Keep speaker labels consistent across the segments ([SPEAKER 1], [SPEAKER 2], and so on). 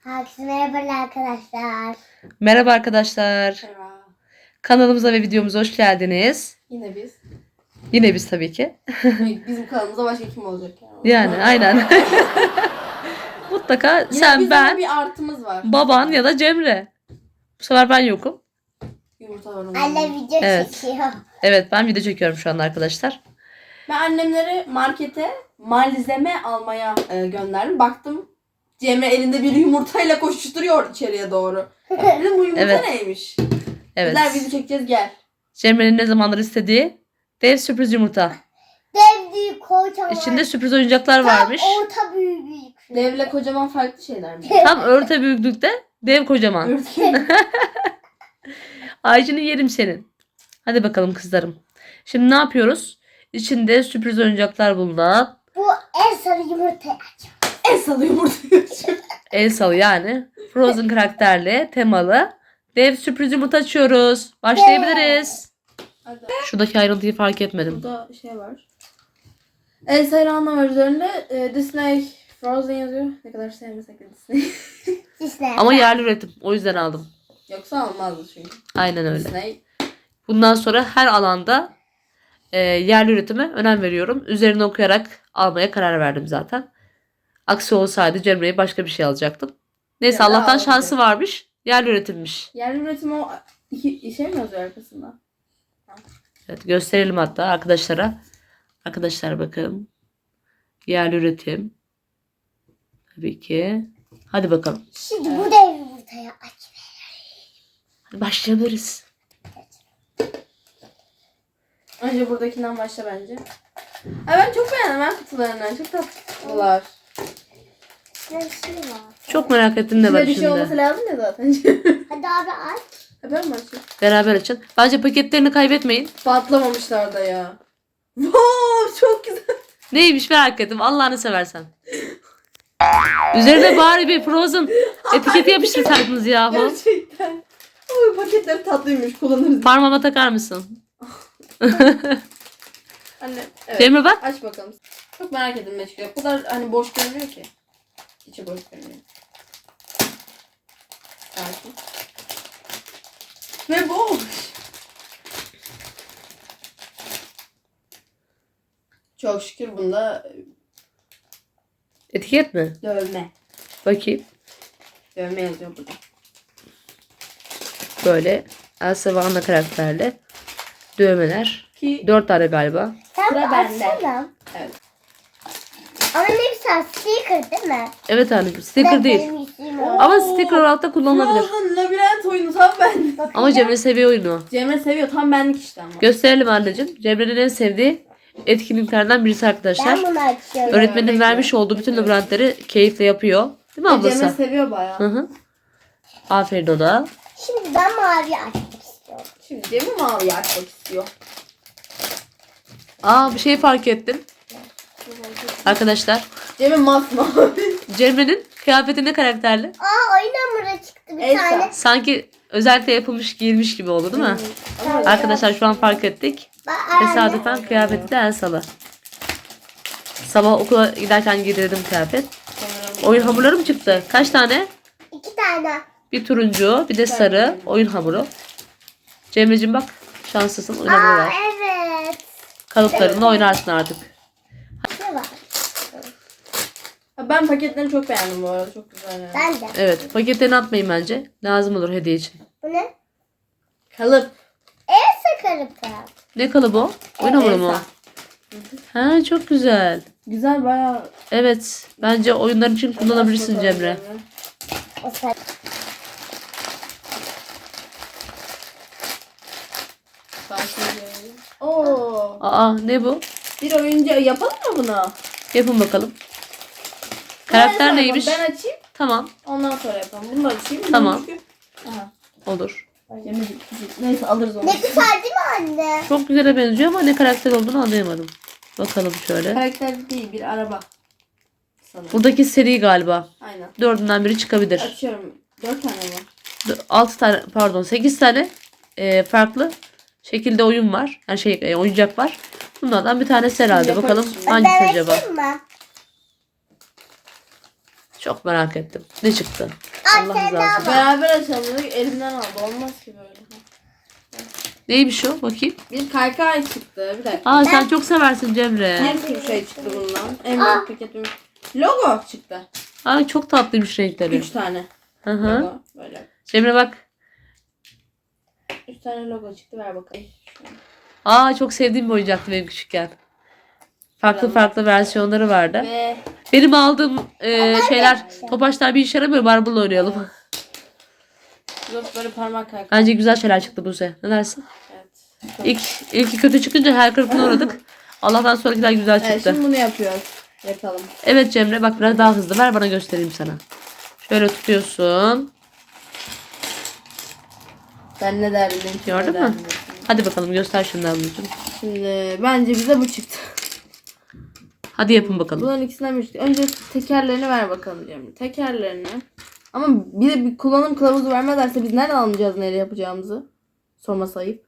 [SPEAKER 1] Herkese merhaba arkadaşlar.
[SPEAKER 2] Merhaba arkadaşlar.
[SPEAKER 3] Merhaba.
[SPEAKER 2] Kanalımıza ve videomuza hoş geldiniz.
[SPEAKER 3] Yine biz.
[SPEAKER 2] Yine biz tabii ki.
[SPEAKER 3] Bizim kanalımızda başka kim olacak
[SPEAKER 2] Yani aynen. Mutlaka
[SPEAKER 3] Yine
[SPEAKER 2] sen,
[SPEAKER 3] bizim
[SPEAKER 2] ben,
[SPEAKER 3] bir artımız var.
[SPEAKER 2] baban ya da Cemre. Bu sefer ben yokum.
[SPEAKER 3] Yumurta var onun.
[SPEAKER 1] Anne video
[SPEAKER 2] Evet.
[SPEAKER 1] çekiyor.
[SPEAKER 2] Evet, ben video çekiyorum şu anda arkadaşlar.
[SPEAKER 3] Ben annemleri markete malzeme almaya gönderdim. Baktım Cemre elinde bir yumurtayla koşuşturuyor içeriye doğru. Dedim bu yumurta
[SPEAKER 2] Evet.
[SPEAKER 3] neymiş?
[SPEAKER 2] Evet.
[SPEAKER 3] Bizler video çekeceğiz gel.
[SPEAKER 2] Cemre'nin ne zamandır istediği dev sürpriz yumurta.
[SPEAKER 1] Dev büyük kocaman.
[SPEAKER 2] İçinde sürpriz oyuncaklar
[SPEAKER 1] Tam
[SPEAKER 2] varmış.
[SPEAKER 1] orta büyük.
[SPEAKER 3] Devle kocaman farklı şeyler mi?
[SPEAKER 2] Tam örte büyüklükte dev kocaman.
[SPEAKER 3] Örtgen.
[SPEAKER 2] Aycını yerim senin. Hadi bakalım kızlarım. Şimdi ne yapıyoruz? İçinde sürpriz oyuncaklar bulunan
[SPEAKER 1] Bu en sarı yumurtayı aç.
[SPEAKER 3] En salı yumurtayı açıyor.
[SPEAKER 2] Elsalı yani Frozen karakterli temalı dev sürpriz yumurta açıyoruz. Başlayabiliriz.
[SPEAKER 3] Hadi.
[SPEAKER 2] Şuradaki ayrıntıyı fark etmedim.
[SPEAKER 3] Burada şey var. Elsa ile Anna var üzerinde. Disney Frozen yazıyor. Ne kadar sevmesek de Disney.
[SPEAKER 1] Disney.
[SPEAKER 2] Ama yerli üretim. O yüzden aldım.
[SPEAKER 3] Yoksa almazdı çünkü.
[SPEAKER 2] Aynen öyle.
[SPEAKER 3] Disney.
[SPEAKER 2] Bundan sonra her alanda yerli üretime önem veriyorum. Üzerine okuyarak almaya karar verdim zaten. Aksi olsaydı Cemre'ye başka bir şey alacaktım. Neyse
[SPEAKER 3] Ya da
[SPEAKER 2] Allah'tan
[SPEAKER 3] aldım.
[SPEAKER 2] şansı varmış. Yerli üretimmiş.
[SPEAKER 3] Yerli üretim o iki şey mi yazıyor arkasında?
[SPEAKER 2] Evet, gösterelim hatta arkadaşlara. Arkadaşlar bakın. Yerli üretim. Tabii ki. Hadi bakalım.
[SPEAKER 1] Şimdi bu dev yumurtayı aç.
[SPEAKER 2] Hadi başlayabiliriz.
[SPEAKER 3] Önce buradakinden başla bence. Ay ben çok beğendim ben kutularından. Çok tatlılar.
[SPEAKER 1] Ne bir şey var.
[SPEAKER 2] Çok merak ettim ne var
[SPEAKER 3] İçinde bir şey olması
[SPEAKER 2] içinde.
[SPEAKER 3] lazım ya zaten.
[SPEAKER 1] Hadi abi aç.
[SPEAKER 3] Ben mi açayım?
[SPEAKER 2] Beraber açın. Bence paketlerini kaybetmeyin.
[SPEAKER 3] Patlamamışlar da ya. Wow çok güzel.
[SPEAKER 2] Neymiş merak ettim. Allah'ını seversen. Üzerine bari bir Frozen etiketi yapıştırsaydınız yahu.
[SPEAKER 3] Gerçekten. Oy paketler tatlıymış kullanırız.
[SPEAKER 2] Parmağıma takar mısın?
[SPEAKER 3] Anne evet.
[SPEAKER 2] Cemre bak.
[SPEAKER 3] Aç bakalım. Çok merak ettim ne çıkıyor. O kadar hani boş görünüyor ki. İçi boş görünüyor. Sakin. Ve boş. Çok şükür bunda
[SPEAKER 2] Etiket mi?
[SPEAKER 3] dövme.
[SPEAKER 2] Bakayım.
[SPEAKER 3] Dövme yazıyor burada.
[SPEAKER 2] Böyle Elsa ve Anna karakterli dövmeler.
[SPEAKER 3] Ki
[SPEAKER 2] 4 tane galiba.
[SPEAKER 1] Sen
[SPEAKER 3] Sıra
[SPEAKER 1] bir
[SPEAKER 3] bende.
[SPEAKER 1] açsana.
[SPEAKER 3] evet.
[SPEAKER 1] Ama ne güzel sticker değil mi?
[SPEAKER 2] Evet anneciğim. Sticker değil.
[SPEAKER 1] Benim yüzüğüm o.
[SPEAKER 2] Ama sticker olarak da kullanılabilir.
[SPEAKER 3] Frozen labirent oyunu tam ben.
[SPEAKER 2] Ama Cemre seviyor oyunu.
[SPEAKER 3] Cemre seviyor tam benlik işte ama.
[SPEAKER 2] Gösterelim anneciğim. Cemre'nin en sevdiği etkinliklerden birisi arkadaşlar.
[SPEAKER 1] Ben bunu açıyorum.
[SPEAKER 2] Öğretmenin vermiş olduğu bütün labirentleri keyifle yapıyor. Değil mi
[SPEAKER 3] Cemre
[SPEAKER 2] ablası?
[SPEAKER 3] seviyor bayağı.
[SPEAKER 2] Hı hı. Aferin ona.
[SPEAKER 1] Şimdi ben mavi açmak istiyorum.
[SPEAKER 3] Şimdi Cemre mavi açmak istiyor.
[SPEAKER 2] Aa bir şey fark ettim. Arkadaşlar.
[SPEAKER 3] Cemre masmavi.
[SPEAKER 2] Cemre'nin kıyafeti ne karakterli?
[SPEAKER 1] Aa oyun hamuru çıktı bir
[SPEAKER 3] Elsa.
[SPEAKER 1] tane.
[SPEAKER 2] Sanki özellikle yapılmış giyilmiş gibi oldu değil mi?
[SPEAKER 3] Ama
[SPEAKER 2] Arkadaşlar şu an fark ettik. Tesadüfen kıyafeti de Elsa'lı. Sabah okula giderken giydirdim kıyafet.
[SPEAKER 3] sanırım
[SPEAKER 2] Oyun hamurları mı çıktı? Kaç tane?
[SPEAKER 1] 2 tane.
[SPEAKER 2] Bir turuncu, bir de sarı oyun hamuru. Cemre'cim bak şanslısın oyun hamuru
[SPEAKER 1] Aa
[SPEAKER 2] var.
[SPEAKER 1] evet.
[SPEAKER 2] Kalıplarınla oynarsın artık.
[SPEAKER 1] Ne var?
[SPEAKER 3] ben paketlerini çok beğendim bu arada. Çok güzel yani.
[SPEAKER 1] Ben de.
[SPEAKER 2] Evet paketlerini atmayın bence. Lazım olur hediye için.
[SPEAKER 1] Bu ne?
[SPEAKER 3] Kalıp.
[SPEAKER 1] Elsa kalıpı.
[SPEAKER 2] Ne kalıbı o? Oyun hamuru mu?
[SPEAKER 3] Elsa.
[SPEAKER 2] Ha çok güzel.
[SPEAKER 3] Güzel bayağı.
[SPEAKER 2] Evet bence oyunlar için kullanabilirsin Cemre.
[SPEAKER 1] O sen.
[SPEAKER 3] Oo.
[SPEAKER 2] Aa ne bu?
[SPEAKER 3] Bir oyuncu yapalım mı bunu?
[SPEAKER 2] Yapın bakalım. Karakter
[SPEAKER 3] Ben
[SPEAKER 2] neymiş?
[SPEAKER 3] Ben açayım.
[SPEAKER 2] Tamam
[SPEAKER 3] Ondan sonra yapalım. Bunu da açayım.
[SPEAKER 2] Tamam.
[SPEAKER 3] Çünkü- Aha.
[SPEAKER 2] olur.
[SPEAKER 3] Neyse alırız onu.
[SPEAKER 1] Ne güzel değil mi anne?
[SPEAKER 2] Çok güzele benziyor ama ne karakter olduğunu anlayamadım. Bakalım şöyle.
[SPEAKER 3] Karakter değil bir araba. Sanırım.
[SPEAKER 2] Buradaki seri galiba.
[SPEAKER 3] Aynen.
[SPEAKER 2] 4'ünden biri çıkabilir.
[SPEAKER 3] Açıyorum. 4 tane mi?
[SPEAKER 2] 6 tane pardon 8 tane farklı şekilde oyun var. Yani oyuncak var. Bunlardan bir tanesi herhalde.
[SPEAKER 3] Yaparız
[SPEAKER 2] Bakalım
[SPEAKER 3] şimdi.
[SPEAKER 2] hangisi
[SPEAKER 1] Ben
[SPEAKER 2] acaba?
[SPEAKER 1] açayım mı?
[SPEAKER 2] Çok merak ettim. Ne çıktı? Allah
[SPEAKER 1] sen
[SPEAKER 2] rızası
[SPEAKER 1] daha
[SPEAKER 2] için.
[SPEAKER 1] bak.
[SPEAKER 3] Beraber açalım dedik. Elimden aldı. Olmaz ki böyle.
[SPEAKER 2] Neymiş o? Bakayım.
[SPEAKER 3] Bir kaykay çıktı. Bir dakika.
[SPEAKER 2] Aa sen çok seversin Cemre.
[SPEAKER 3] Bir sürü şey çıktı bundan. En büyük paketimiz. Logo çıktı.
[SPEAKER 2] Ay çok tatlıymış renkleri.
[SPEAKER 3] 3 tane
[SPEAKER 2] Hı hı.
[SPEAKER 3] logo. Böyle.
[SPEAKER 2] Cemre bak.
[SPEAKER 3] 3 tane logo çıktı. Ver bakalım.
[SPEAKER 2] Aa çok sevdiğim bir oyuncaktı benim küçükken. Farklı farklı versiyonları vardı.
[SPEAKER 3] Ve
[SPEAKER 2] Benim aldığım şeyler topaçlar bir işe yaramıyor. Marble oynayalım.
[SPEAKER 3] yok böyle parmak kaykay.
[SPEAKER 2] Bence güzel şeyler çıktı bu sene. Ne dersin?
[SPEAKER 3] Evet.
[SPEAKER 2] İlki kötü çıkınca her kırıklığına uğradık. Allah'tan sonrakiler güzel
[SPEAKER 3] Evet,
[SPEAKER 2] çıktı.
[SPEAKER 3] şimdi bunu yapıyoruz. Yapalım.
[SPEAKER 2] Evet Cemre bak biraz daha hızlı ver bana göstereyim sana. Şöyle tutuyorsun.
[SPEAKER 3] Ben ne derdim?
[SPEAKER 2] Gördün mü? Hadi bakalım göster şimdi ablacığım.
[SPEAKER 3] Şimdi bence bize bu çıktı.
[SPEAKER 2] Hadi yapın bakalım.
[SPEAKER 3] Bunların ikisinden bir çıktı. Önce tekerlerini ver bakalım Cemre. Tekerlerini. Ama bir de bir kullanım kılavuzu vermezlerse biz nereden anlayacağız neyle yapacağımızı? Sorması ayıp.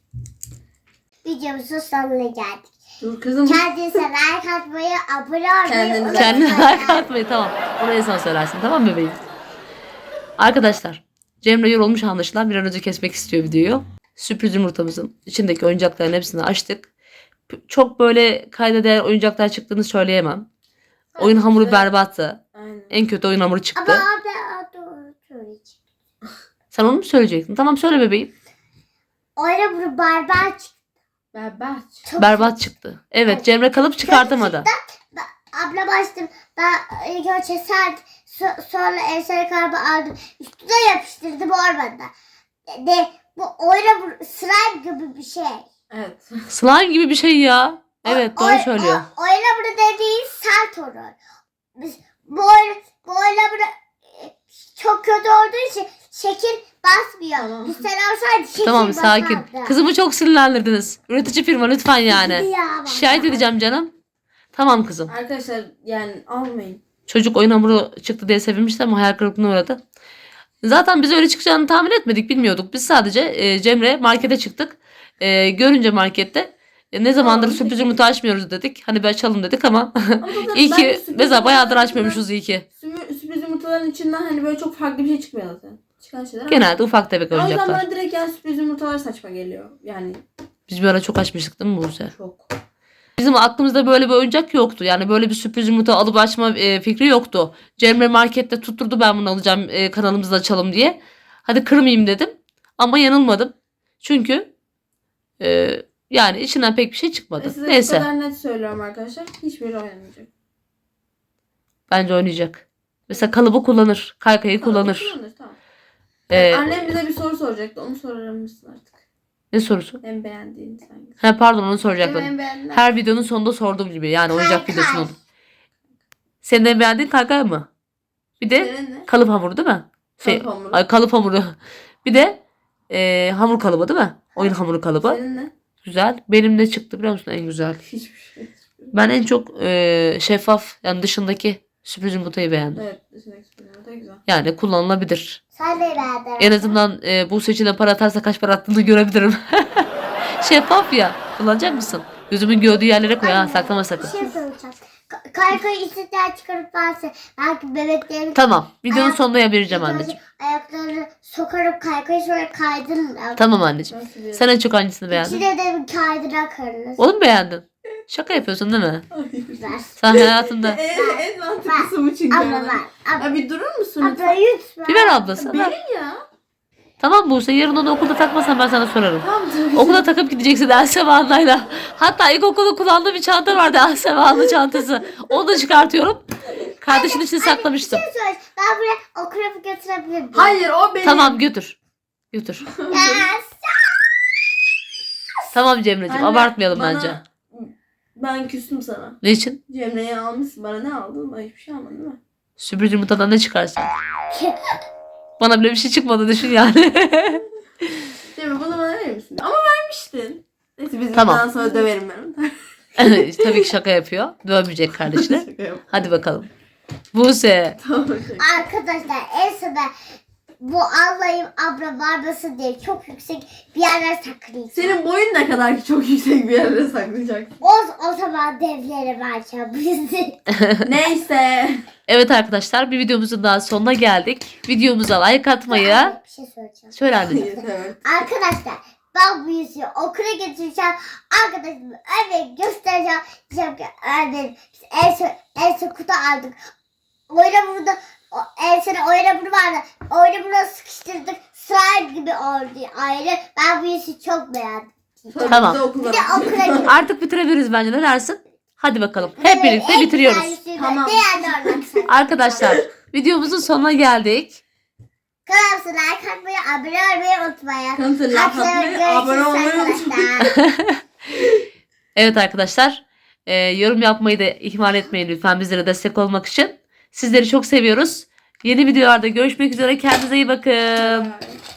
[SPEAKER 1] Videomuzun sonuna geldik.
[SPEAKER 3] Dur kızım.
[SPEAKER 1] Kendinize like atmayı, abone olmayı
[SPEAKER 3] Kendinize-
[SPEAKER 1] unutmayın.
[SPEAKER 2] Kendine like atmayı tamam. Onu en son söylersin tamam mı bebeğim? Arkadaşlar Cemre yorulmuş anlaşılan bir an önce kesmek istiyor videoyu. Sürpriz yumurtamızın içindeki oyuncakların hepsini açtık. Çok böyle kayda değer oyuncaklar çıktığını söyleyemem. Oyun hamuru berbattı.
[SPEAKER 3] Aynen.
[SPEAKER 2] En kötü oyun hamuru
[SPEAKER 1] Ama
[SPEAKER 2] çıktı.
[SPEAKER 1] abi doğru söyleyeceğim.
[SPEAKER 2] Sen onu mu söyleyecektin? Tamam söyle bebeğim.
[SPEAKER 1] Öyle bunu barbar çıktı.
[SPEAKER 3] Berbat.
[SPEAKER 1] Çok
[SPEAKER 2] Berbat çıktı. Evet Cemre kalıp çıkartamadı.
[SPEAKER 1] Abla bastım. Ben ilk önce sert, sonra ensel kalbi aldım. Üstüne yapıştırdım olmadı. Bu oyna slime gibi bir şey.
[SPEAKER 3] Evet.
[SPEAKER 2] Slime gibi bir şey ya. Evet doğru söylüyor.
[SPEAKER 1] Oyna bunu dediğin sert olur. Biz bu oyna bunu çok kötü olduğu için şekil basmıyor.
[SPEAKER 3] Tamam.
[SPEAKER 1] Biz sen olsaydı şekil
[SPEAKER 2] Tamam sakin.
[SPEAKER 1] basardı.
[SPEAKER 2] Kızımı çok sinirlendirdiniz. Üretici firma lütfen yani.
[SPEAKER 1] Ya,
[SPEAKER 2] Şikayet edeceğim canım. Tamam kızım.
[SPEAKER 3] Arkadaşlar yani almayın.
[SPEAKER 2] Çocuk oyun hamuru çıktı diye sevinmişti ama hayal kırıklığına uğradı. Zaten biz öyle çıkacağını tahmin etmedik, bilmiyorduk. Biz sadece Cemre markete çıktık. Görünce markette ne zamandır
[SPEAKER 3] Tamam,
[SPEAKER 2] sürpriz
[SPEAKER 3] peki.
[SPEAKER 2] yumurta açmıyoruz dedik. Hani bir açalım dedik ama
[SPEAKER 3] Ama zaten
[SPEAKER 2] iyi
[SPEAKER 3] ben
[SPEAKER 2] ki
[SPEAKER 3] de sürpriz
[SPEAKER 2] mesela bayağıdır
[SPEAKER 3] yumurtalarından-
[SPEAKER 2] açmıyormuşuz iyi ki.
[SPEAKER 3] Sürpriz yumurtaların içinden hani böyle çok farklı bir şey çıkmıyor zaten. Çıkan şeyler.
[SPEAKER 2] Genelde ufak tefek
[SPEAKER 3] O yüzden
[SPEAKER 2] oyuncaklar.
[SPEAKER 3] bana direkt yani sürpriz yumurtalar saçma geliyor. Yani
[SPEAKER 2] Biz bir ara çok açmıştık değil mi Buse?
[SPEAKER 3] çok.
[SPEAKER 2] Bizim aklımızda böyle bir oyuncak yoktu. Yani böyle bir sürpriz yumurta alıp açma fikri yoktu. Cemre markette tutturdu ben bunu alacağım kanalımızda açalım diye. Hadi kırmayayım dedim. Ama yanılmadım. Çünkü yani içinden pek bir şey çıkmadı.
[SPEAKER 3] Size bu
[SPEAKER 2] Neyse.
[SPEAKER 3] kadar net söylüyorum arkadaşlar. Hiçbiri oynamayacak.
[SPEAKER 2] Bence oynayacak. Mesela kalıbı kullanır. Kaykayı kullanır.
[SPEAKER 3] Kullanır, tamam.
[SPEAKER 2] Ee,
[SPEAKER 3] Annem bize bir soru soracaktı. Onu sorar mısın artık?
[SPEAKER 2] Ne sorusu?
[SPEAKER 3] En beğendiğin sen.
[SPEAKER 2] Ha pardon onu
[SPEAKER 3] Benim
[SPEAKER 2] soracaktım.
[SPEAKER 3] en beğendiğim.
[SPEAKER 2] Her videonun sonunda sorduğum gibi. Yani oyuncak
[SPEAKER 1] Kaykay.
[SPEAKER 2] videosunun. Senin en beğendiğin kaykay mı? Bir de
[SPEAKER 3] Senin ne?
[SPEAKER 2] kalıp hamuru değil mi?
[SPEAKER 3] Kalıp hamuru.
[SPEAKER 2] Ay, kalıp hamuru. Bir de hamur kalıbı değil mi? Oyun hamuru kalıbı.
[SPEAKER 3] Senin ne?
[SPEAKER 2] Güzel. Benim ne çıktı biliyor musun en güzel?
[SPEAKER 3] Hiçbir şey.
[SPEAKER 2] Ben en çok şeffaf yani dışındaki sürpriz yumurtayı beğendim.
[SPEAKER 3] Evet. Dışındaki sürpriz yumurta güzel.
[SPEAKER 2] Yani kullanılabilir.
[SPEAKER 1] Sen de beğendin.
[SPEAKER 2] En azından bu seçine para atarsa kaç para attığını görebilirim. Şeffaf ya. Kullanacak mısın? Gözümün gördüğü yerlere koy ha. Saklama
[SPEAKER 1] Bir
[SPEAKER 2] sakın.
[SPEAKER 1] şey soracağım. Kaykayı içinden çıkarıp verse belki bebeklerin
[SPEAKER 2] Tamam. Videonun
[SPEAKER 1] Ayak-
[SPEAKER 2] sonunda vereceğim anneciğim.
[SPEAKER 1] ayaklarını sokarıp kaykayı sonra kaydırırlar.
[SPEAKER 2] Tamam anneciğim.
[SPEAKER 3] Nasıl bir...
[SPEAKER 2] Sen en çok hangisini beğendin?
[SPEAKER 1] İçine de bir kaydıra karınız.
[SPEAKER 2] Onu mu beğendin? Şaka yapıyorsun değil mi?
[SPEAKER 1] Ver.
[SPEAKER 2] Sen hayatında...
[SPEAKER 3] En mantıklısı bu çünkü.
[SPEAKER 1] Abla
[SPEAKER 3] yani.
[SPEAKER 1] ver.
[SPEAKER 3] Ya bir durur musun
[SPEAKER 1] Abla
[SPEAKER 3] lütfen?
[SPEAKER 1] lütfen.
[SPEAKER 2] Bir ver ablası. Ver.
[SPEAKER 3] Benim ya.
[SPEAKER 2] Tamam Buse yarın onu okulda takmasan ben sana sorarım.
[SPEAKER 3] Tamam tabii.
[SPEAKER 2] Okula takıp gideceksin Elsema Anlayla. Hatta ilkokulda kullandığım bir çanta vardı Elsema Anlı çantası. Onu da çıkartıyorum. Kardeşin için saklamıştım.
[SPEAKER 1] Bir şey söyle. Ben buraya okula götürebilir miyim?
[SPEAKER 3] Hayır o benim.
[SPEAKER 2] Tamam götür. Götür.
[SPEAKER 1] Yes.
[SPEAKER 2] Tamam Cemre'ciğim
[SPEAKER 3] Anne,
[SPEAKER 2] abartmayalım
[SPEAKER 3] bana-
[SPEAKER 2] bence.
[SPEAKER 3] Ben küstüm sana.
[SPEAKER 2] Ne için?
[SPEAKER 3] Cemre'yi almışsın. Bana ne aldın? Bana hiçbir şey almadın değil mi?
[SPEAKER 2] Sürpriz yumurtadan ne çıkarsın? Bana bile bir şey çıkmadı düşün yani.
[SPEAKER 3] Cemre bunu bana verir misin? Ama vermiştin. Neyse biz
[SPEAKER 2] Tamam.
[SPEAKER 3] bundan sonra döverim ben onu.
[SPEAKER 2] Tabii ki şaka yapıyor. Dövmeyecek kardeşine.
[SPEAKER 3] Şaka yap.
[SPEAKER 2] Hadi bakalım. Buse.
[SPEAKER 3] Tamam. şaka.
[SPEAKER 1] Arkadaşlar en sona bu Allah'ım abla barbası diye çok yüksek bir yerler saklayacağım.
[SPEAKER 3] Senin boyun ne kadar ki çok yüksek bir yere saklayacaksın.
[SPEAKER 1] O zaman devlere vereceğim bizi.
[SPEAKER 3] Neyse.
[SPEAKER 2] Evet arkadaşlar, bir videomuzun daha sonuna geldik. Videomuza like atmayı.
[SPEAKER 1] Bir şey söyleyeceğim.
[SPEAKER 2] Söyle anneciğim.
[SPEAKER 3] Evet.
[SPEAKER 1] Arkadaşlar ben bu yüzüğü okula götüreceğim. Arkadaşımı örneğin göstereceğim. Diyeceğim ki örneğin biz Elsa kutu aldık. Oyna Elsa'nın oyna bunu vardı. Oyna bunu sıkıştırdık. Slime gibi oldu ayrı. Ben bu yüzüğü çok beğendim.
[SPEAKER 2] Tamam.
[SPEAKER 3] Biz de okula
[SPEAKER 1] Bir de okula gittim.
[SPEAKER 2] Artık bitirebiliriz bence. Ne dersin? Hadi bakalım. Hep birlikte bitiriyoruz.
[SPEAKER 3] Tamam.
[SPEAKER 2] Arkadaşlar, videomuzun sonuna geldik.
[SPEAKER 1] Kanalımıza like atmayı, abone olmayı unutmayın.
[SPEAKER 3] Kanalımıza like atmayı,
[SPEAKER 1] Görüşürüz
[SPEAKER 3] abone olmayı
[SPEAKER 1] arkadaşlar.
[SPEAKER 2] Evet arkadaşlar, yorum yapmayı da ihmal etmeyin lütfen bizlere destek olmak için. Sizleri çok seviyoruz. Yeni videolarda görüşmek üzere. Kendinize iyi bakın.
[SPEAKER 3] Evet.